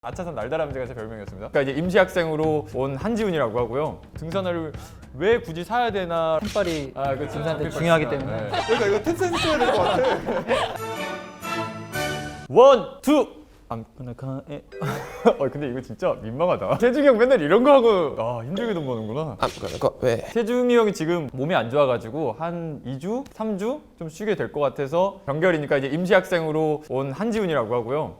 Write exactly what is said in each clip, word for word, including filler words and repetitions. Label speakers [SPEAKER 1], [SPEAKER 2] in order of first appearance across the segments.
[SPEAKER 1] 아차산 날다람쥐가 제 별명이었습니다. 그러니까 이제 임시학생으로 온 한지훈이라고 하고요. 등산화를 왜 굳이 사야 되나?
[SPEAKER 2] 신발이
[SPEAKER 1] 아, 그
[SPEAKER 2] 등산한테 중요하기 때문에.
[SPEAKER 1] 네. 그러니까 이거 텐센스 써야 될 것 같아. 원, 투. 아무거나 가에. 어 근데 이거 진짜 민망하다. 태중이 형 맨날 이런 거 하고 아 힘들게 돈 버는구나.
[SPEAKER 3] 아무거나 거 왜?
[SPEAKER 1] 태중이 형이 지금 몸이 안 좋아가지고 한 이 주, 삼 주 좀 쉬게 될 것 같아서 병결이니까 이제 임시학생으로 온 한지훈이라고 하고요.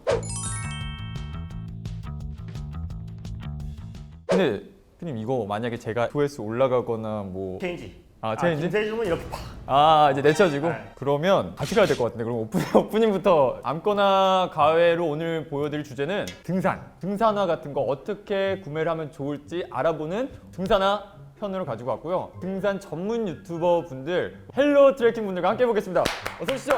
[SPEAKER 1] 근데 피님 이거 만약에 제가 조회수 올라가거나 뭐
[SPEAKER 4] 체인지.
[SPEAKER 1] 아 체인지?
[SPEAKER 4] 김세중은 이렇게 팍.
[SPEAKER 1] 아 이제 내쳐지고
[SPEAKER 4] 네.
[SPEAKER 1] 그러면 같이 가야 될 것 같은데 그럼 오프닝, 오프닝부터 아무거나 가회로 오늘 보여드릴 주제는 등산 등산화 같은 거 어떻게 구매를 하면 좋을지 알아보는 등산화 편으로 가지고 왔고요. 등산 전문 유튜버 분들 헬로 트레킹 분들과 함께 해보겠습니다. 어서 오시죠.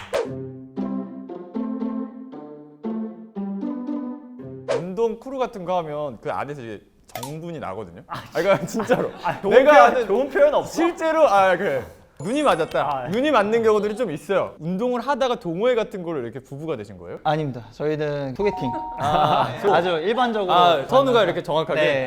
[SPEAKER 1] 운동 크루 같은 거 하면 그 안에서 이제 정분이 나거든요. 아, 그러니까 진짜로.
[SPEAKER 4] 아, 좋은
[SPEAKER 1] 내가
[SPEAKER 4] 표현,
[SPEAKER 1] 아는
[SPEAKER 4] 좋은 표현 없어?
[SPEAKER 1] 실제로 아 그래. 눈이 맞았다.
[SPEAKER 4] 아, 네.
[SPEAKER 1] 눈이 맞는 경우들이 좀 있어요. 운동을 하다가 동호회 같은 거를 이렇게 부부가 되신 거예요?
[SPEAKER 2] 아닙니다. 저희는 소개팅.
[SPEAKER 1] 아,
[SPEAKER 2] 아주 일반적으로.
[SPEAKER 1] 아 선우가
[SPEAKER 2] 만나서.
[SPEAKER 1] 이렇게 정확하게.
[SPEAKER 2] 네.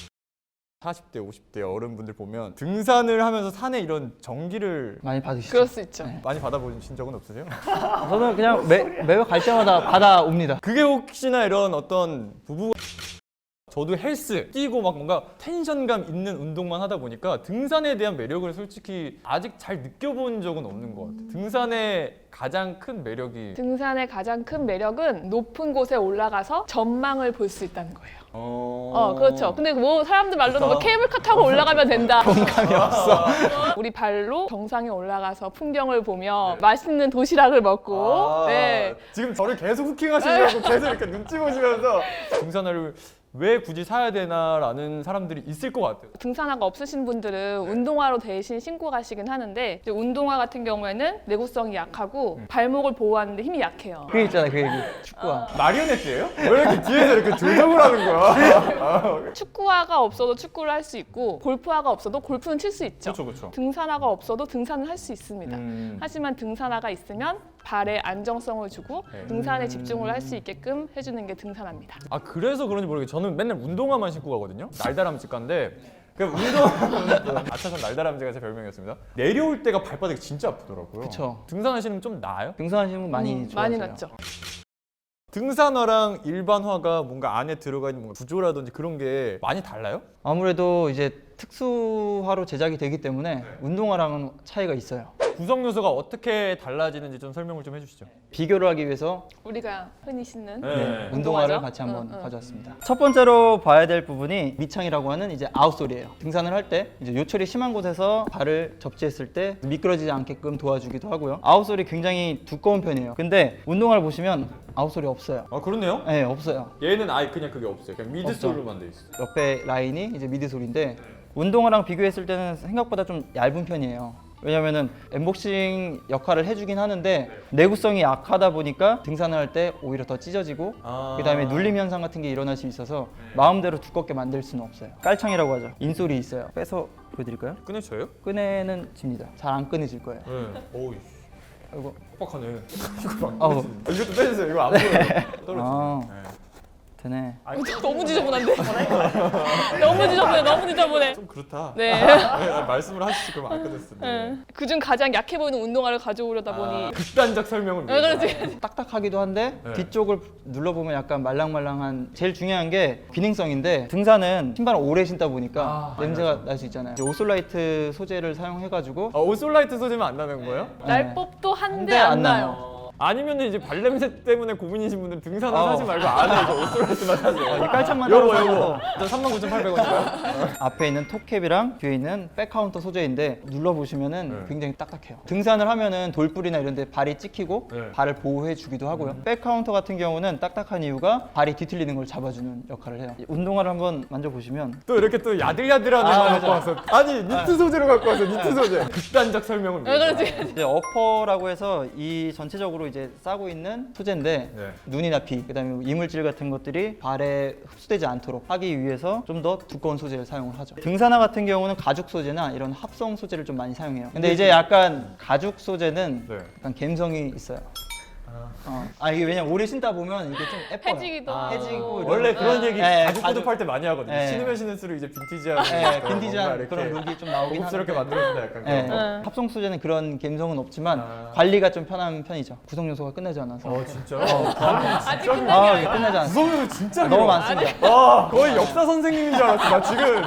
[SPEAKER 1] 사십 대, 오십 대 어른분들 보면 등산을 하면서 산에 이런 전기를
[SPEAKER 2] 많이 받으시죠.
[SPEAKER 5] 그럴 수 있죠.
[SPEAKER 2] 네.
[SPEAKER 1] 많이 받아보신 적은 없으세요?
[SPEAKER 2] 저는 그냥 매, 매월 갈 때마다 받아옵니다.
[SPEAKER 1] 그게 혹시나 이런 어떤 부부 저도 헬스 뛰고 막 뭔가 텐션감 있는 운동만 하다 보니까 등산에 대한 매력을 솔직히 아직 잘 느껴본 적은 없는 것 같아요. 등산의 가장 큰 매력이
[SPEAKER 5] 등산의 가장 큰 매력은 높은 곳에 올라가서 전망을 볼 수 있다는 거예요.
[SPEAKER 1] 어,
[SPEAKER 5] 어, 그렇죠. 근데 뭐 사람들 말로는 뭐
[SPEAKER 1] 좋다.
[SPEAKER 5] 케이블카 타고 올라가면 된다.
[SPEAKER 2] 공감이 없어.
[SPEAKER 5] 우리 발로 정상에 올라가서 풍경을 보며 맛있는 도시락을 먹고,
[SPEAKER 1] 아,
[SPEAKER 5] 네.
[SPEAKER 1] 지금 저를 계속 후킹하시려고 계속 이렇게 눈치 보시면서 등산화를 왜 굳이 사야 되나라는 사람들이 있을 것 같아요.
[SPEAKER 5] 등산화가 없으신 분들은 운동화로 대신 신고 가시긴 하는데 이제 운동화 같은 경우에는 내구성이 약하고 발목을 보호하는데 힘이 약해요.
[SPEAKER 2] 그 있잖아요, 그 얘기. 축구화.
[SPEAKER 1] 마리오네트예요? 왜 이렇게 뒤에서 이렇게 조정을 하는 거야?
[SPEAKER 5] 축구화가 없어도 축구를 할 수 있고 골프화가 없어도 골프는 칠 수 있죠.
[SPEAKER 1] 그렇죠, 그렇죠.
[SPEAKER 5] 등산화가 없어도 등산을 할 수 있습니다.
[SPEAKER 1] 음.
[SPEAKER 5] 하지만 등산화가 있으면 발에 안정성을 주고
[SPEAKER 1] 네.
[SPEAKER 5] 등산에 집중을 할 수 있게끔 해주는 게 등산화입니다.
[SPEAKER 1] 아 그래서 그런지 모르겠어요. 저는 맨날 운동화만 신고 가거든요. 날다람쥐 깐데 그 운동 아차산 날다람쥐가 제 별명이었습니다. 내려올 때가 발바닥이 진짜 아프더라고요.
[SPEAKER 2] 그쵸.
[SPEAKER 1] 등산하시는 좀 나아요?
[SPEAKER 2] 등산하시는 분 많이
[SPEAKER 5] 음,
[SPEAKER 2] 좋아하세요.
[SPEAKER 5] 많이 났죠.
[SPEAKER 1] 등산화랑 일반화가 뭔가 안에 들어가 있는 뭔가 구조라든지 그런 게 많이 달라요?
[SPEAKER 2] 아무래도 이제 특수화로 제작이 되기 때문에 운동화랑은 차이가 있어요.
[SPEAKER 1] 구성 요소가 어떻게 달라지는지 좀 설명을 좀 해주시죠.
[SPEAKER 2] 비교를 하기 위해서
[SPEAKER 5] 우리가 흔히 신는
[SPEAKER 1] 네.
[SPEAKER 2] 네, 운동화를
[SPEAKER 5] 운동화죠?
[SPEAKER 2] 같이 한번
[SPEAKER 5] 응, 응.
[SPEAKER 2] 가져왔습니다. 첫 번째로 봐야 될 부분이 밑창이라고 하는 이제 아웃솔이에요. 등산을 할 때 이제 요철이 심한 곳에서 발을 접지했을 때 미끄러지지 않게끔 도와주기도 하고요. 아웃솔이 굉장히 두꺼운 편이에요. 근데 운동화를 보시면 아웃솔이 없어요.
[SPEAKER 1] 아 그렇네요.
[SPEAKER 2] 네, 없어요.
[SPEAKER 1] 얘는 아예 그냥 그게 없어요. 그냥 미드솔로만 돼 있어요.
[SPEAKER 2] 옆에 라인이 이제 미드솔인데 운동화랑 비교했을 때는 생각보다 좀 얇은 편이에요. 왜냐면은 엠복싱 역할을 해주긴 하는데 내구성이 약하다 보니까 등산을 할 때 오히려 더 찢어지고
[SPEAKER 1] 아.
[SPEAKER 2] 그다음에 눌림 현상 같은 게 일어날 수 있어서 마음대로 두껍게 만들 수는 없어요. 깔창이라고 하죠. 인솔이 있어요. 빼서 보여드릴까요?
[SPEAKER 1] 끊어져요?
[SPEAKER 2] 끄내는 집니다. 잘 안 끊어질 거예요.
[SPEAKER 1] 네. 어우
[SPEAKER 2] 아이고.
[SPEAKER 1] 빡빡하네. 이거 안
[SPEAKER 2] 아우.
[SPEAKER 1] 아, 이것도 빼주세요. 이거 안 보여요. 떨어지네.
[SPEAKER 2] 아.
[SPEAKER 1] 네.
[SPEAKER 2] 되네.
[SPEAKER 5] 너무 지저분한데? 너무 지저분해, 너무 지저분해.
[SPEAKER 1] 좀 그렇다.
[SPEAKER 5] 네.
[SPEAKER 1] 네, 말씀을 하시지 그럼 안 끊었을 텐데.
[SPEAKER 5] 네. 그중 가장 약해 보이는 운동화를 가져오려다 보니
[SPEAKER 1] 아, 극단적 설명을
[SPEAKER 5] 네,
[SPEAKER 1] 위해서.
[SPEAKER 5] 그렇지.
[SPEAKER 2] 딱딱하기도 한데
[SPEAKER 1] 네.
[SPEAKER 2] 뒤쪽을 눌러보면 약간 말랑말랑한 제일 중요한 게 기능성인데 등산은 신발을 오래 신다 보니까
[SPEAKER 1] 아,
[SPEAKER 2] 냄새가 날 수 있잖아요. 이제 오솔라이트 소재를 사용해가지고
[SPEAKER 1] 아, 오솔라이트 소재면 안 나는 거예요?
[SPEAKER 5] 날 법도 한데
[SPEAKER 2] 한데
[SPEAKER 5] 안
[SPEAKER 2] 안
[SPEAKER 5] 나요.
[SPEAKER 1] 아니면 이제 발냄새 때문에 고민이신 분들 등산화
[SPEAKER 2] 어.
[SPEAKER 1] 사지 말고 안에 이거 오솔라이트만 사세요.
[SPEAKER 2] 이 깔창만
[SPEAKER 1] 요거
[SPEAKER 2] 따로
[SPEAKER 1] 요거.
[SPEAKER 2] 사서
[SPEAKER 1] 저 삼만 구천팔백 원인가요?
[SPEAKER 2] 앞에 있는 톱캡이랑 뒤에 있는 백카운터 소재인데 눌러보시면은
[SPEAKER 1] 네.
[SPEAKER 2] 굉장히 딱딱해요. 등산을 하면은 돌불이나 이런 데 발이 찍히고
[SPEAKER 1] 네.
[SPEAKER 2] 발을 보호해 주기도 하고요. 백카운터 같은 경우는 딱딱한 이유가 발이 뒤틀리는 걸 잡아주는 역할을 해요. 이 운동화를 한번 만져보시면
[SPEAKER 1] 또 이렇게 또 야들야들한
[SPEAKER 2] 아,
[SPEAKER 1] 거
[SPEAKER 2] 맞아.
[SPEAKER 1] 갖고 와서 아니 니트 소재로 갖고 와서 니트 소재 극단적 설명을
[SPEAKER 5] 네,
[SPEAKER 1] 위해서.
[SPEAKER 5] 그렇지.
[SPEAKER 2] 이제 어퍼라고 해서 이 전체적으로 이제 싸고 있는 소재인데
[SPEAKER 1] 네.
[SPEAKER 2] 눈이나 비, 그다음에 이물질 같은 것들이 발에 흡수되지 않도록 하기 위해서 좀 더 두꺼운 소재를 사용을 하죠. 등산화 같은 경우는 가죽 소재나 이런 합성 소재를 좀 많이 사용해요. 근데 이제 약간 가죽 소재는
[SPEAKER 1] 네.
[SPEAKER 2] 약간 갬성이 있어요. 어. 아 이게 왜냐면 오래 신다 보면 이게 좀 예뻐요.
[SPEAKER 5] 해지기도
[SPEAKER 1] 아,
[SPEAKER 2] 해지고
[SPEAKER 1] 원래
[SPEAKER 2] 이런-
[SPEAKER 1] 그런 얘기
[SPEAKER 2] 네,
[SPEAKER 1] 가죽
[SPEAKER 2] 가죽-
[SPEAKER 1] 구두팔 때 많이 하거든요.
[SPEAKER 2] 네.
[SPEAKER 1] 신으면 신을수록 이제 빈티지한,
[SPEAKER 2] 네,
[SPEAKER 1] 뭔가
[SPEAKER 2] 빈티지한
[SPEAKER 1] 이렇게
[SPEAKER 2] 그런 룩이 좀 나오긴
[SPEAKER 1] 고급스럽게
[SPEAKER 2] 하는데.
[SPEAKER 1] 만들어준다 약간
[SPEAKER 2] 네.
[SPEAKER 1] 그런 거.
[SPEAKER 5] 응.
[SPEAKER 2] 합성 소재는 그런 감성은 없지만
[SPEAKER 1] 아.
[SPEAKER 2] 관리가 좀 편한 편이죠. 구성 요소가 끝나지 않아서.
[SPEAKER 1] 어 진짜요?
[SPEAKER 5] 아직
[SPEAKER 1] 진짜
[SPEAKER 5] 끝나지
[SPEAKER 2] 아,
[SPEAKER 5] 않아요.
[SPEAKER 2] 이게 끝나지 않아서.
[SPEAKER 1] 구성 요소 진짜
[SPEAKER 2] 너무
[SPEAKER 1] 길어.
[SPEAKER 2] 많습니다.
[SPEAKER 1] 와 거의 역사 선생님인 줄 알았어 나 지금.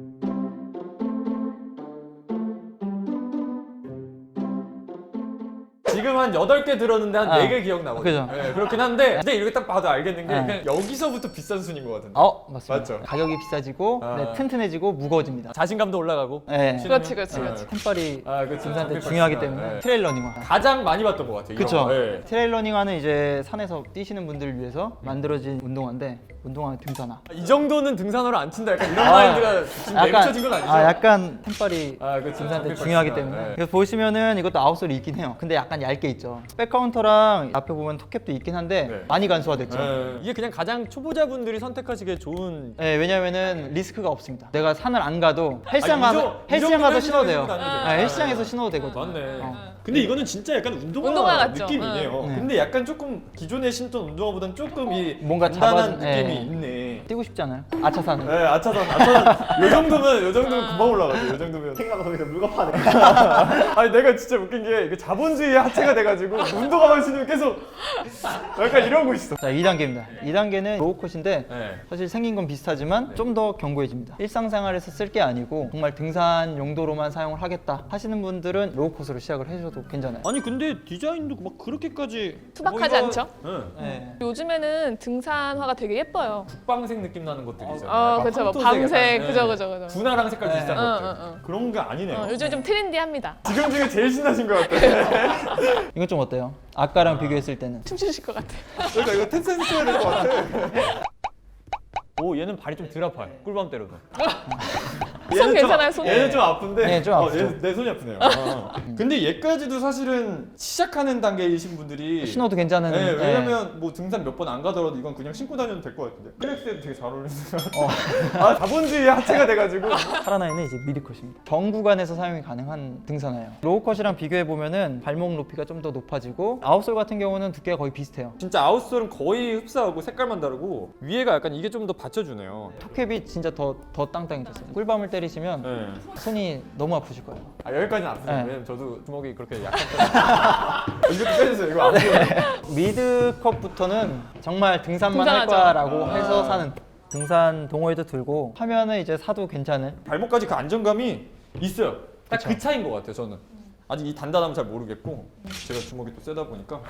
[SPEAKER 1] 지금 한 여덟 개 들었는데 한
[SPEAKER 2] 아,
[SPEAKER 1] 네 개 기억나거든요.
[SPEAKER 2] 그죠.
[SPEAKER 1] 네, 그렇긴 한데 근데 이렇게 딱 봐도 알겠는 게
[SPEAKER 2] 네.
[SPEAKER 1] 그냥 여기서부터 비싼 순인 것 같은데.
[SPEAKER 2] 어 맞습니다.
[SPEAKER 1] 맞죠?
[SPEAKER 2] 가격이 비싸지고
[SPEAKER 1] 아.
[SPEAKER 2] 네, 튼튼해지고 무거워집니다.
[SPEAKER 1] 자신감도 올라가고.
[SPEAKER 2] 네.
[SPEAKER 1] 신으면?
[SPEAKER 5] 그렇지, 그렇지,
[SPEAKER 1] 네.
[SPEAKER 5] 그렇지.
[SPEAKER 2] 템빨이
[SPEAKER 1] 아, 그렇죠.
[SPEAKER 2] 등산 때
[SPEAKER 1] 장비
[SPEAKER 2] 중요하기
[SPEAKER 1] 박스나,
[SPEAKER 2] 때문에
[SPEAKER 1] 네.
[SPEAKER 2] 트레일 러닝화.
[SPEAKER 1] 가장 많이 봤던 것 같아요. 이런
[SPEAKER 2] 그렇죠.
[SPEAKER 1] 거. 네.
[SPEAKER 2] 트레일 러닝화는 이제 산에서 뛰시는 분들을 위해서 만들어진 운동화인데 운동화 등산화.
[SPEAKER 1] 이 정도는 등산화로 안 친다. 약간 이런
[SPEAKER 2] 아,
[SPEAKER 1] 마인드가 지금 내비쳐진 건 아니죠?
[SPEAKER 2] 아 약간 템빨이
[SPEAKER 1] 아, 그렇죠.
[SPEAKER 2] 등산 때
[SPEAKER 1] 장비
[SPEAKER 2] 중요하기
[SPEAKER 1] 박스나.
[SPEAKER 2] 때문에.
[SPEAKER 1] 네.
[SPEAKER 2] 그래서 보시면은 이것도 아웃솔이 있긴 해요. 근데 약간 얇게 있죠. 백카운터랑 앞에 보면 톱캡도 있긴 한데
[SPEAKER 1] 네.
[SPEAKER 2] 많이 간소화됐죠.
[SPEAKER 1] 네. 이게 그냥 가장 초보자분들이 선택하시기에 좋은.
[SPEAKER 2] 네, 왜냐면은 리스크가 없습니다. 내가 산을 안 가도 헬스장
[SPEAKER 1] 아, 이
[SPEAKER 2] 가서
[SPEAKER 1] 정- 이
[SPEAKER 2] 헬스장
[SPEAKER 1] 정도면
[SPEAKER 2] 가서 신어도 돼요.
[SPEAKER 1] 헬스장에서 다녀도
[SPEAKER 2] 아,
[SPEAKER 1] 돼요.
[SPEAKER 2] 헬스장에서 신어도 되거든요.
[SPEAKER 1] 맞네.
[SPEAKER 2] 어.
[SPEAKER 1] 근데 이거는 진짜 약간 운동화,
[SPEAKER 5] 운동화 같죠?
[SPEAKER 1] 느낌이네요.
[SPEAKER 2] 네.
[SPEAKER 1] 근데 약간 조금 기존에 신던 운동화보다는 조금 이
[SPEAKER 2] 뭔가
[SPEAKER 1] 단단한
[SPEAKER 2] 잡아준-
[SPEAKER 1] 느낌이
[SPEAKER 2] 네.
[SPEAKER 1] 있네.
[SPEAKER 2] 뛰고 싶지 않아요? 아차산.
[SPEAKER 1] 네, 아차산, 아차산. 요 정도면, 요 정도면 금방 올라가죠. 요 정도면.
[SPEAKER 3] 생각나서 거기서 물건파네.
[SPEAKER 1] 아니 내가 진짜 웃긴 게 이게 자본주의의 하체가 돼가지고 운동화만 신으면 계속 약간 이런 거 있어.
[SPEAKER 2] 자, 이 단계입니다. 이 단계는 로우컷인데
[SPEAKER 1] 네.
[SPEAKER 2] 사실 생긴 건 비슷하지만 좀 더 견고해집니다. 일상생활에서 쓸 게 아니고 정말 등산 용도로만 사용을 하겠다 하시는 분들은 로우컷으로 시작을 해주셔도 괜찮아요.
[SPEAKER 1] 아니 근데 디자인도 막 그렇게까지
[SPEAKER 5] 투박하지 않죠?
[SPEAKER 1] 응.
[SPEAKER 2] 네.
[SPEAKER 5] 요즘에는 등산화가 되게 예뻐요.
[SPEAKER 1] 국방색 느낌 나는 것들이 있잖아요.
[SPEAKER 5] 어,
[SPEAKER 1] 약간
[SPEAKER 5] 그쵸. 뭐
[SPEAKER 1] 황토색
[SPEAKER 5] 밤색,
[SPEAKER 1] 약간,
[SPEAKER 5] 그죠,
[SPEAKER 1] 네.
[SPEAKER 5] 그죠, 그죠.
[SPEAKER 1] 분화랑 색깔
[SPEAKER 2] 네.
[SPEAKER 1] 비슷한
[SPEAKER 5] 어,
[SPEAKER 1] 것들.
[SPEAKER 5] 어, 어.
[SPEAKER 1] 그런 게 아니네요.
[SPEAKER 5] 어, 요즘 좀 트렌디합니다.
[SPEAKER 1] 지금 중에 제일 신나신 것 같아.
[SPEAKER 2] 이건 좀 어때요? 아까랑 비교했을 때는.
[SPEAKER 5] 춤추실 것 같아.
[SPEAKER 1] 그러니까 이거 텐센스 해야 될 것 같아. 오 얘는 발이 좀 덜 아파요. 꿀밤 때려도.
[SPEAKER 5] 손 괜찮아요, 손?
[SPEAKER 1] 얘는 좀 아픈데.
[SPEAKER 2] 네, 좀
[SPEAKER 1] 어,
[SPEAKER 2] 아프죠.
[SPEAKER 1] 얘, 내 손이 아프네요. 어. 근데 얘까지도 사실은 시작하는 단계이신 분들이
[SPEAKER 2] 신어도 괜찮은.
[SPEAKER 1] 네,
[SPEAKER 2] 네.
[SPEAKER 1] 왜냐면 뭐 등산 몇 번 안 가더라도 이건 그냥 신고 다녀도 될 것 같은데 클렉스에도 되게 잘 어울리는 것 같아요. 아 자본주의 하체가 돼가지고
[SPEAKER 2] 파라나이는 이제 미드컷입니다. 정 구간에서 사용이 가능한 등산화예요. 로우컷이랑 비교해 보면은 발목 높이가 좀 더 높아지고 아웃솔 같은 경우는 두께가 거의 비슷해요.
[SPEAKER 1] 진짜 아웃솔은 거의 흡사하고 색깔만 다르고 위에가 약간 이게 좀 더 받쳐주네요.
[SPEAKER 2] 톱캡이 진짜 더 더 땅땅해졌어요. 꿀밤을 때리시면
[SPEAKER 1] 네.
[SPEAKER 2] 손이 너무 아프실 거예요.
[SPEAKER 1] 아 여기까지는 아프세요.
[SPEAKER 2] 네.
[SPEAKER 1] 왜냐면 저도 주먹이 그렇게 약한 편이에요. 이렇게 빼주세요. 이거 아프세요.
[SPEAKER 2] 미드컷부터는 정말 등산만 할
[SPEAKER 5] 등산하죠.
[SPEAKER 2] 거라고
[SPEAKER 1] 아.
[SPEAKER 2] 해서 사는 등산 동호회도 들고 하면은 이제 사도 괜찮은.
[SPEAKER 1] 발목까지 그 안정감이 있어요. 딱 그
[SPEAKER 2] 그쵸.
[SPEAKER 1] 차이인 것 같아요. 저는 아직 이 단단함은 잘 모르겠고 제가 주먹이 또 세다 보니까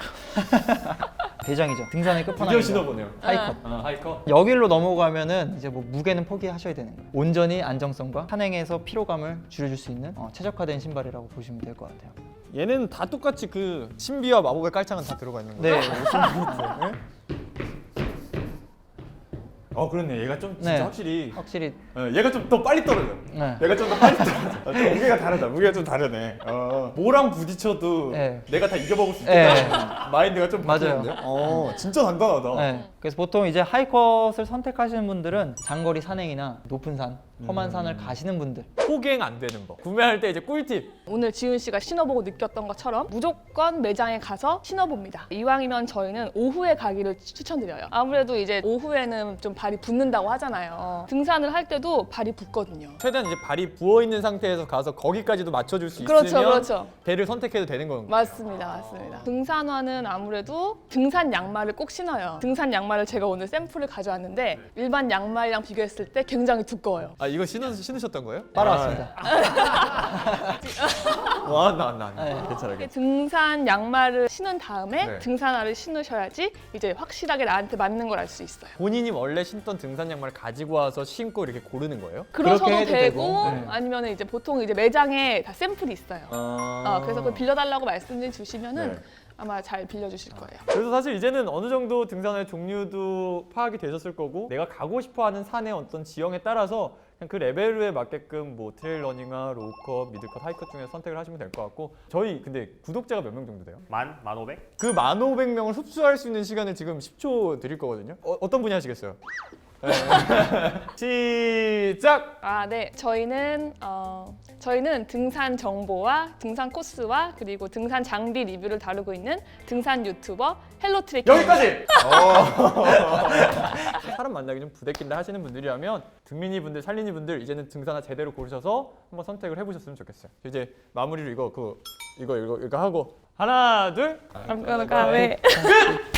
[SPEAKER 2] 대장이죠. 등산의
[SPEAKER 1] 드디어
[SPEAKER 2] 끝판왕이죠.
[SPEAKER 1] 신어보네요.
[SPEAKER 2] 하이컷.
[SPEAKER 1] 아, 하이커.
[SPEAKER 2] 여길로 넘어가면은 이제 뭐 무게는 포기하셔야 되는 거예요. 온전히 안정성과 산행에서 피로감을 줄여줄 수 있는 어, 최적화된 신발이라고 보시면 될 것 같아요.
[SPEAKER 1] 얘는 다 똑같이 그 신비와 마법의 깔창은 다 들어가 있는 거예요.
[SPEAKER 2] 네.
[SPEAKER 1] 네. 어 그렇네. 얘가 좀 진짜
[SPEAKER 2] 네.
[SPEAKER 1] 확실히
[SPEAKER 2] 확실히
[SPEAKER 1] 어, 얘가 좀 더 빨리 떨어져.
[SPEAKER 2] 네.
[SPEAKER 1] 얘가 좀 더 빨리 떨어져. 아, 좀 무게가 다르다. 무게가 좀 다르네. 어. 뭐랑 부딪혀도
[SPEAKER 2] 네.
[SPEAKER 1] 내가 다 이겨먹을 수
[SPEAKER 2] 네.
[SPEAKER 1] 있다. 마인드가 좀
[SPEAKER 2] 맞아요.
[SPEAKER 1] 바뀌는데요. 어, 진짜 단단하다.
[SPEAKER 2] 네. 그래서 보통 이제 하이컷을 선택하시는 분들은 장거리 산행이나 높은 산, 험한
[SPEAKER 1] 음.
[SPEAKER 2] 산을 가시는 분들.
[SPEAKER 1] 포갱 안 되는 거. 구매할 때 이제 꿀팁.
[SPEAKER 5] 오늘 지은 씨가 신어보고 느꼈던 것처럼 무조건 매장에 가서 신어봅니다. 이왕이면 저희는 오후에 가기를 추- 추천드려요. 아무래도 이제 오후에는 좀 발이 붓는다고 하잖아요. 등산을 할 때도 발이 붓거든요.
[SPEAKER 1] 최대한 이제 발이 부어 있는 상태에서 가서 거기까지도 맞춰줄 수
[SPEAKER 5] 그렇죠,
[SPEAKER 1] 있으면
[SPEAKER 5] 그렇죠.
[SPEAKER 1] 배를 선택해도 되는 건가요?
[SPEAKER 5] 맞습니다, 맞습니다. 등산화는 아무래도 등산 양말을 꼭 신어요. 등산 양말을 제가 오늘 샘플을 가져왔는데 일반 양말이랑 비교했을 때 굉장히 두꺼워요.
[SPEAKER 1] 아 이거 신으, 신으셨던 거예요?
[SPEAKER 2] 따라왔습니다.
[SPEAKER 1] 와나 나 나.
[SPEAKER 2] 네.
[SPEAKER 1] 괜찮아. 괜찮아.
[SPEAKER 5] 등산 양말을 신은 다음에
[SPEAKER 1] 네.
[SPEAKER 5] 등산화를 신으셔야지 이제 확실하게 나한테 맞는 걸 알 수 있어요.
[SPEAKER 1] 본인이 원래 신던 등산 양말을 가지고 와서 신고 이렇게 고르는 거예요?
[SPEAKER 5] 그러셔도
[SPEAKER 2] 그렇게 해도
[SPEAKER 5] 되고,
[SPEAKER 2] 되고,
[SPEAKER 1] 네.
[SPEAKER 5] 아니면 이제 보통 이제 매장에 다 샘플이 있어요.
[SPEAKER 1] 아...
[SPEAKER 5] 어, 그래서 그걸 빌려달라고 말씀 주시면은
[SPEAKER 1] 네.
[SPEAKER 5] 아마 잘 빌려주실 거예요.
[SPEAKER 1] 그래서 사실 이제는 어느 정도 등산의 종류도 파악이 되셨을 거고 내가 가고 싶어하는 산의 어떤 지형에 따라서 그냥 그 레벨에 맞게끔 뭐 트레일 러닝화, 로우컷, 미들컷, 하이컷 중에서 선택을 하시면 될 것 같고 저희 근데 구독자가 몇 명 정도 돼요?
[SPEAKER 3] 만? 만 오백?
[SPEAKER 1] 그 만 오백 명을 흡수할 수 있는 시간을 지금 십 초 드릴 거거든요. 어, 어떤 분이 하시겠어요? 네. 시작!
[SPEAKER 5] 아, 네. 저희는 어, 저희는 등산 정보와 등산 코스와 그리고 등산 장비 리뷰를 다루고 있는 등산 유튜버 헬로 트레킹.
[SPEAKER 1] 여기까지! 사람 만나기 좀 부대낀다 하시는 분들이라면 등민이 분들, 살린이 분들 이제는 등산화 제대로 고르셔서 한번 선택을 해보셨으면 좋겠어요. 이제 마무리로 이거 그 이거 이거 이거 하고 하나 둘
[SPEAKER 5] 아무거나 가왜.